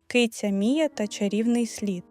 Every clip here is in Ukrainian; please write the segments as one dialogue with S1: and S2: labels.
S1: Киця Мія та чарівний слід.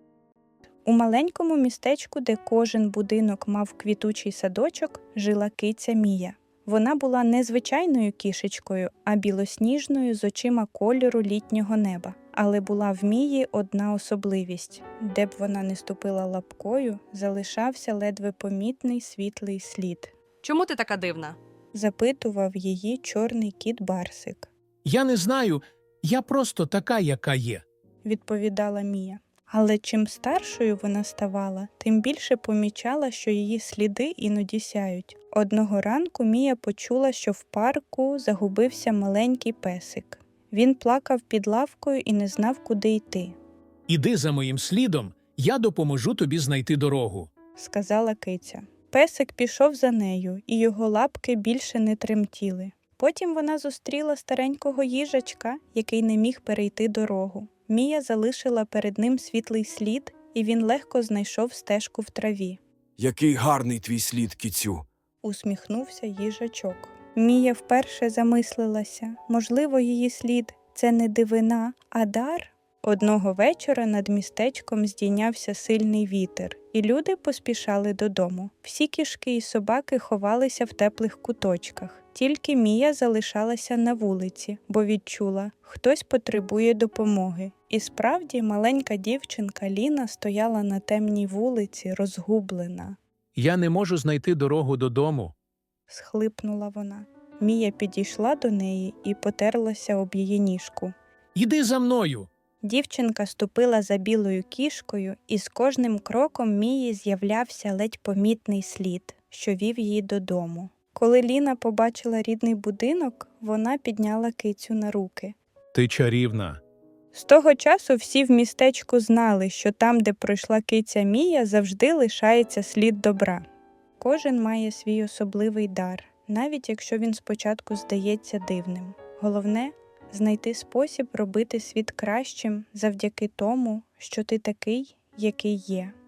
S1: У маленькому містечку, де кожен будинок мав квітучий садочок, жила киця Мія. Вона була не звичайною кішечкою, а білосніжною з очима кольору літнього неба. Але була в Мії одна особливість. Де б вона не ступила лапкою, залишався ледве помітний світлий слід.
S2: Чому ти така дивна?
S1: Запитував її чорний кіт Барсик.
S3: Я не знаю, я просто така, яка є.
S1: Відповідала Мія. Але чим старшою вона ставала, тим більше помічала, що її сліди іноді сяють. Одного ранку Мія почула, що в парку загубився маленький песик. Він плакав під лавкою і не знав, куди йти.
S3: Іди за моїм слідом, я допоможу тобі знайти дорогу.
S1: Сказала киця. Песик пішов за нею, і його лапки більше не тремтіли. Потім вона зустріла старенького їжачка, який не міг перейти дорогу. Мія залишила перед ним світлий слід, і він легко знайшов стежку в траві.
S4: Який гарний твій слід, кицю.
S1: Усміхнувся їжачок. Мія вперше замислилася. Можливо, її слід – це не дивина, а дар? Одного вечора над містечком здійнявся сильний вітер, і люди поспішали додому. Всі кішки і собаки ховалися в теплих куточках. Тільки Мія залишалася на вулиці, бо відчула – хтось потребує допомоги. І справді маленька дівчинка Ліна стояла на темній вулиці, розгублена.
S3: Я не можу знайти дорогу додому.
S1: Схлипнула вона. Мія підійшла до неї і потерлася об її ніжку.
S3: Іди за мною.
S1: Дівчинка ступила за білою кішкою, і з кожним кроком Мії з'являвся ледь помітний слід, що вів її додому. Коли Ліна побачила рідний будинок, вона підняла кицю на руки.
S3: Ти чарівна.
S1: З того часу всі в містечку знали, що там, де пройшла киця Мія, завжди лишається слід добра. Кожен має свій особливий дар, навіть якщо він спочатку здається дивним. Головне – знайти спосіб робити світ кращим завдяки тому, що ти такий, який є.